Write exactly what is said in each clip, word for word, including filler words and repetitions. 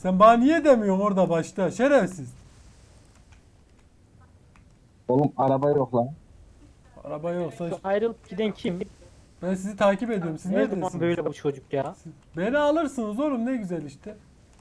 Sen bana niye demiyorsun orada başta? Şerefsiz. Oğlum araba yok lan. Araba yoksa Şu ayrılıp giden kim? ben sizi takip ediyorum. Siz Ne zaman neredesiniz? böyle bu çocuk ya? Beni alırsınız oğlum, ne güzel işte.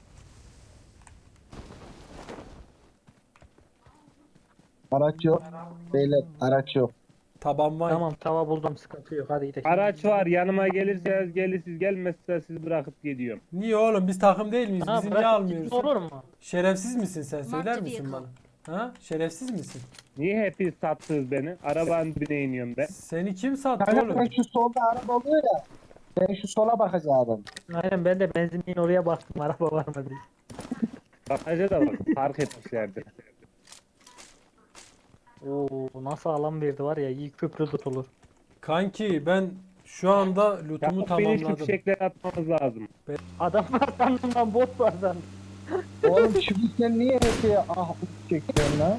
Araç yok. Beyler araç yok. Taban var. Tamam tava buldum, sıkıntı yok, hadi gidelim. Araç var, yanıma gelirseniz gelirsiniz, gelmezse sizi bırakıp gidiyorum. Niye oğlum, biz takım değil miyiz? Ha, Bizi niye bırak almıyorsun? gitsin olur mu? Şerefsiz misin sen? Söyler Marked misin vehicle. bana? Ha? Şerefsiz misin? Niye hepiniz sattınız beni? Arabanın dibine iniyorum ben. Seni kim sattı Kanka oğlum? ben şu solda araba oluyor ya. Ben şu sola bakacağım. Aynen, ben de benzinliğin oraya baktım, araba var mı diye. Bakaca da bak, fark etmişlerdi. Oo, nasıl alan verdi var ya, iyi köprü tutulur. Kanki ben şu anda lootumu Yapıp beni şu tamamladım. fişekleri atmamız lazım. Adam var sandım lan, bot var sandım. Oğlum şu sen niye hep ah çekiyorsun lan?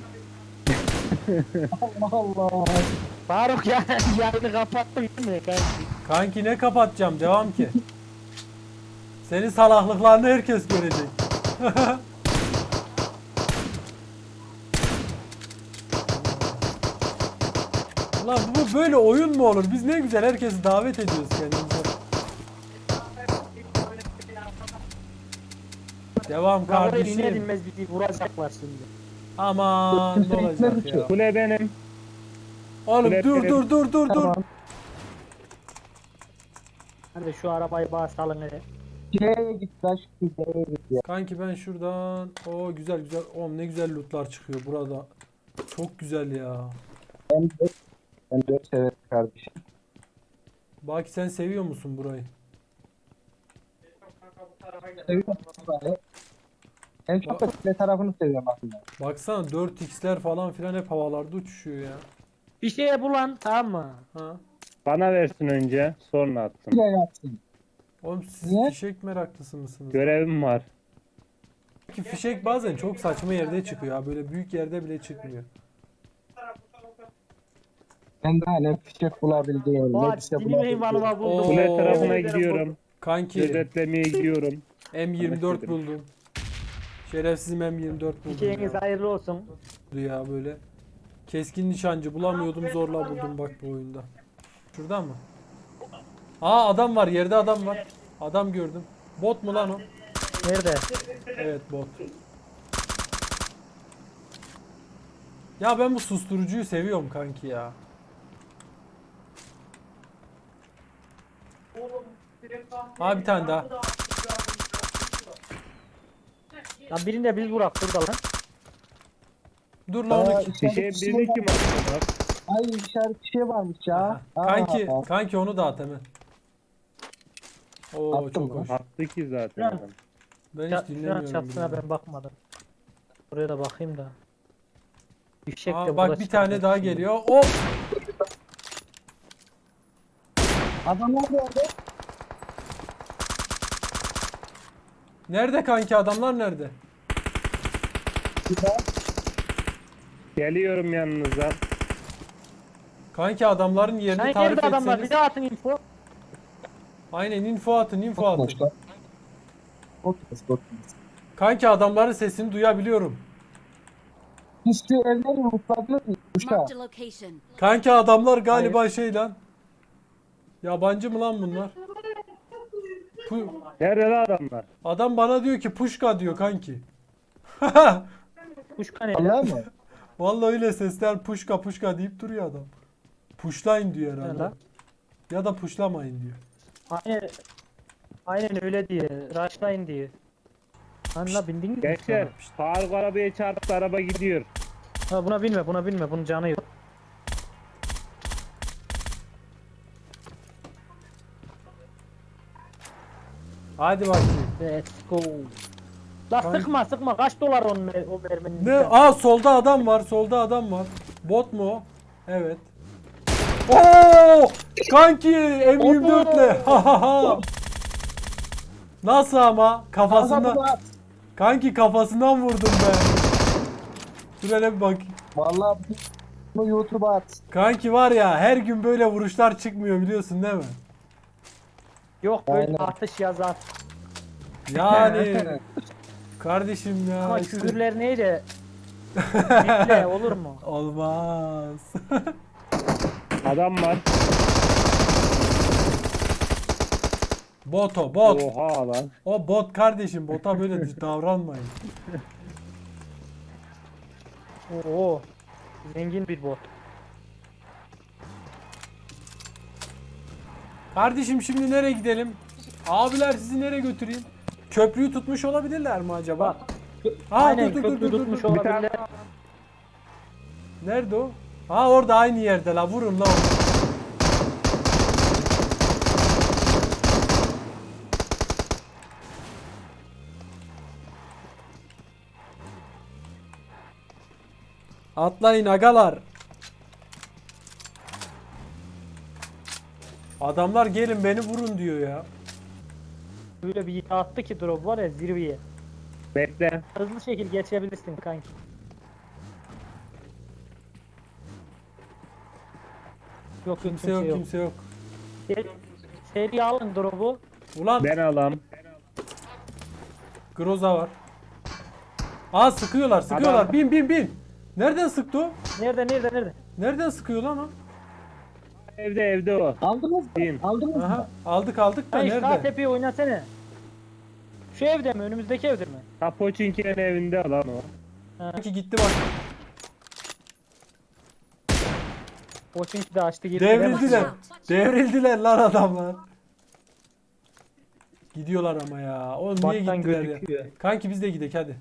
Allah Allah. Faruk ya, yayını kapattın değil mi kanki? Kanki ne kapatacağım, devam ki. Senin salaklıklarını herkes görecek. Lan bu böyle oyun mu olur? Biz ne güzel herkesi davet ediyoruz kendimize. Devam Lan oraya iner kardeşim. inmez bizi vuracaklar şimdi. Aman ne olacak ya. Kule benim. Oğlum Kule dur benim. dur dur dur dur. Tamam. Hadi şu arabayı bağ salın hele. C'ye git lan şu C'ye git ya. Kanki ben şuradan. Oo güzel güzel. Oğlum ne güzel lootlar çıkıyor burada. Çok güzel ya. Ben de ben de severim kardeşim. Baki sen seviyor musun burayı? Seviyorum burayı. En çok da kule tarafını seviyorum aslında. Baksana dört x'ler falan filan hep havalarda uçuşuyor ya. Bir şeye bulan, tamam mı? Ha? Bana versin önce, sonra attım. Kule yapsın. Oğlum siz Niye? fişek meraklısı mısınız? Görevim var. Ki fişek bazen çok saçma yerde çıkıyor ha. Böyle büyük yerde bile çıkmıyor. Ben daha ne fişek bulabildiğim, ne Oha, bir şey dilim bulabildiğim. eyvanıma buldum. Oo. Kule tarafına Yemin ederim gidiyorum. Kanki Gözetlemeye gidiyorum. M yirmi dört Anlaşıldı. buldum. Şerefsizim M yirmi dört buldum Hikayeniz ya. hayırlı olsun. ya böyle. Keskin nişancı bulamıyordum, zorla buldum bak bu oyunda. Şuradan mı? Aa adam var, yerde adam var. Adam gördüm. Bot mu lan o? Nerede? Evet bot. Ya ben bu susturucuyu seviyorum kanki ya. Aa bir tane daha. Lan birinde biz vurak burada lan. Dur lan Aa, onu. işaret Fişeğin bir şey birini var. kim attı? Ay işaret bir şey varmış ya. Aa, Kanki, aa. kanki onu da at hemen. Oo Attım çok lan. hoş. Attı ki zaten Lan. adam. Ben Ya, hiç şu an dinlemiyorum. çatısına bile. ben bakmadım. Buraya da bakayım da. Fişek de Aa, burada bak bir tane çıkacak daha şimdi. geliyor. Hop! Adamlar nerede? Nerede kanki, adamlar nerede? Güzel. Geliyorum yanınıza. Kanki adamların yerini Sen tarif nerede adamlar? etseniz. Bir daha atın info. Aynen info atın, info atın. Boşlar. Oturuz, oturuz. Kanki adamların sesini duyabiliyorum. Biz şu evleri mutladınız mı? Kuşa. Marked a location. Kanki adamlar galiba şey lan. Yabancı mı lan bunlar? Pu- Nerede lan adamlar? Adam bana diyor ki puşka diyor kanki. Kuşka ne? Allah mı? Vallahi öyle sesler puşka puşka deyip duruyor adam. Puşlayın diyor Ne herhalde. lan? Ya da puşlamayın diyor. Aynen, aynen öyle diye. Rushlayın diye. Lan la bindin mi? Gençler, Faruk arabaya çarptı, araba gidiyor. Ha, buna binme, buna binme. Bunun canı yok. Hadi bakayım. Let's go. La Kanki- sıkma sıkma. Kaç dolar onun mer- o merminin? Ne? Aa solda adam var. Solda adam var. Bot mu o? Evet. Oo! Kanki M yirmi dörtle. Ha ha ha. Nasıl ama? Kafasından. Adamlar. Kanki kafasından vurdum ben. Dur hele bir bak. Vallahi bunu YouTube'a at. Kanki var ya, her gün böyle vuruşlar çıkmıyor biliyorsun değil mi? Yok böyle Aynen. atış yazar. Yani Kardeşim ya. Ama işte- küfürler neydi? Bekle olur mu? Olmaz. Adam var. Bot o bot. Oha lan. O bot kardeşim. Bota böyle davranmayın. Oo. Zengin bir bot. Kardeşim şimdi nereye gidelim? Abiler sizi nereye götüreyim? Köprüyü tutmuş olabilirler mi acaba? Bak. Aa, Aynen dur, dur, köprü dur, dur, tutmuş dur. Bir tane olabilirler. Nerede o? Ha orada aynı yerde la, vurun la onu. Atlayın agalar. Adamlar gelin beni vurun diyor ya. Böyle bir attı ki drop var ya zirveye. bekle. Hızlı şekil geçebilirsin kanki. Yok Kimse yok, kimse yok. Seri, seri alın drop'u. Ulan Ben alam. Groza var. Aa sıkıyorlar, sıkıyorlar. Adam- Bin bin bin. Nereden sıktı o? Nerede nerede nerede? Nereden sıkıyor lan o? Evde evde o. Aldınız mı? Bin. Aldınız Aha, mı? aldık aldık da Hayır sağ nerede? tepeyi oynasana. Şu evde mi? Önümüzdeki evde mi? Kapoçinki'nin evinde lan o. Ha. Sanki gitti bak. O çünkü de açtı girdi. Devrildiler. Devrildiler lan adamlar. Gidiyorlar ama ya. Oğlum niye Baktan gittiler gözüküyor. ya? Kanki biz de gidelim hadi.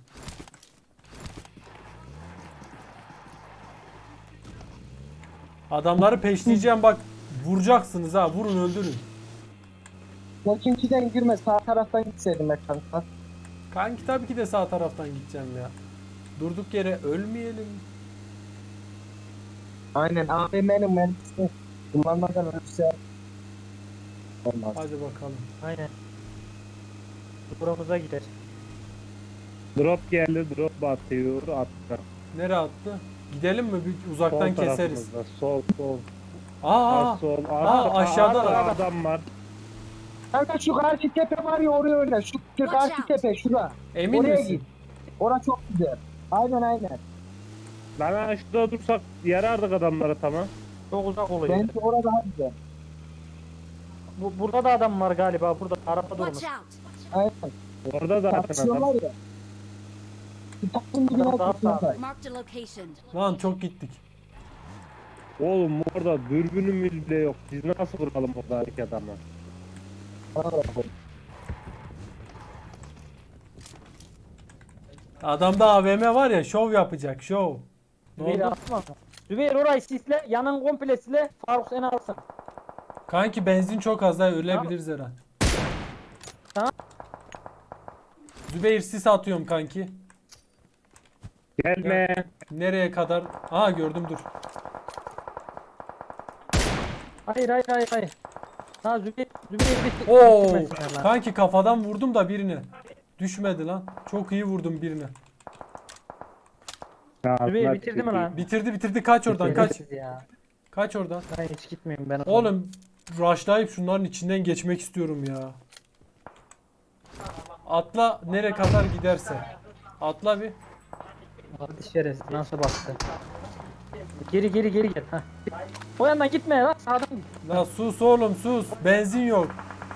Adamları peşleyeceğim bak. Vuracaksınız ha. Vurun öldürün. Koçinkiden girme, sağ taraftan gitseydim ben kanka. Kanki tabii ki de sağ taraftan gideceğim ya. Durduk yere ölmeyelim. Aynen, A V M'nin mermisini kullanmadan ölürse olmaz. Hadi bakalım. Aynen. Buramıza gider. Drop geldi. Drop batıyor. Attı. Nereye attı? Gidelim mi? Bir uzaktan Sol keseriz. tarafımızda. Sol sol. Aa, Sağ, sol. aa, Arka, aşağıda arka da. adam var. Kanka şu karşı tepe var ya, oraya oyna. Şu şu karşı out. tepe şura. emin Oraya misin? git. Ora çok güzel. Aynen aynen. Lan şurada dursak yarardık adamlara tamam. Çok uzak oluyor. Bence orada daha güzel. Bu, burada da adam var galiba. Burada araba durmuş. Watch out! Aynen. Orada da atın adam. Tartışıyorlar ya. Bir takım dibine Adam daha gitsinler. Marked a location. Lan çok gittik. Oğlum orada dürbünümüz bile yok. Biz nasıl vuralım oradaki adamı? Adamda A V M var ya, şov yapacak şov. Ne Zübeyir oldu? atma. Zübeyir orayı sisle. Yanın komple sisle. Faruk seni alsın. Kanki benzin çok az daha ölebiliriz herhalde. Tamam. Zübeyir sis atıyorum kanki. Gelme. Nereye kadar? Aha gördüm dur. Hayır hayır hayır hayır. Ha Zübeyir. Zübeyir bitti. Oo! Bitirmesinler lan. Kanki kafadan vurdum da birini. Düşmedi lan. Çok iyi vurdum birini. Zübeyir bitirdi mi lan? Bitirdi bitirdi, kaç oradan kaç. Şerefsiz ya. Kaç oradan. Ben hiç gitmeyeyim ben. Oğlum rushlayıp şunların içinden geçmek istiyorum ya. Atla nereye kadar giderse. Atla bir. Hadi şerefsiz nasıl baktı. Geri geri geri gel. Heh. O yandan gitme lan sağdan git. La sus oğlum sus. Benzin yok.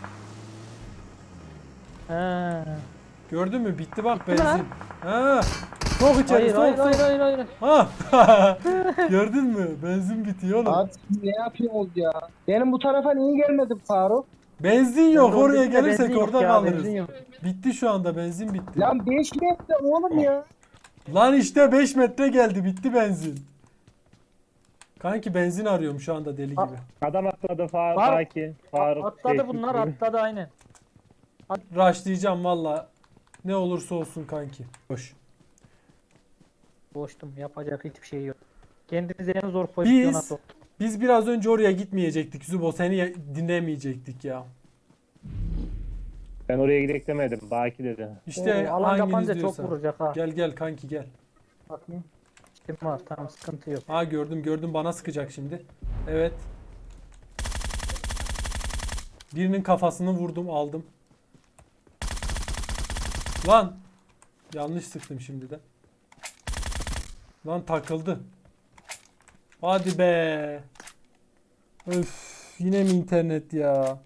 Ha. Gördün mü? Bitti bak Bitti mi benzin. Ha. Çok içeri Hayır sok hayır sok. hayır hayır hayır. Ha. Gördün mü? Benzin bitiyor oğlum. Abi siz ne yapıyorsunuz ya? Benim bu tarafa niye gelmedin Faruk? Benzin yok. Ben Oraya oradaki de gelirsek benzin yok orada ya, kalırız. benzin yok. Bitti şu anda, benzin bitti. Lan beş metre oğlum ya. Lan işte beş metre geldi, bitti benzin. Kanki benzin arıyorum şu anda deli Ha. gibi. Adam atladı Faruk. Faruk. Faruk. Faruk. Atladı Teşvik bunlar ediyorum. atladı aynen. Rushlayacağım valla. Ne olursa olsun kanki. Hoş. Boştum yapacak hiçbir şey yok. Kendinizi en zor pozisyona Biz soktuk. biz biraz önce oraya gitmeyecektik Zubo. Seni ya- dinlemeyecektik ya. Ben oraya gidek demedim. Baki dedi. İşte Oo, alan hanginiz kapanınca diyorsa. çok vuracak ha. Gel gel kanki gel. Bakayım. Kim var tamam sıkıntı yok. Ha gördüm gördüm, bana sıkacak şimdi. Evet. Birinin kafasını vurdum, aldım. Lan Yanlış sıktım şimdi de. Lan takıldı. Hadi be. Öf, yine mi internet ya?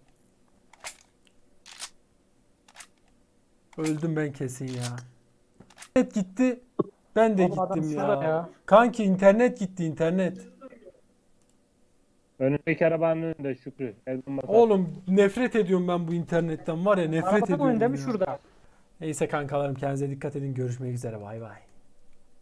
Öldüm ben kesin ya. İnternet gitti. Ben de Oğlum adam gittim şurada ya. ya. Kanki internet gitti internet. Önündeki arabanın önünde Şükrü. El bombası. Oğlum nefret ediyorum ben bu internetten var ya nefret Arabanın ediyorum önünde mi ya. şurada? Neyse kankalarım kendinize dikkat edin. Görüşmek üzere bay bay.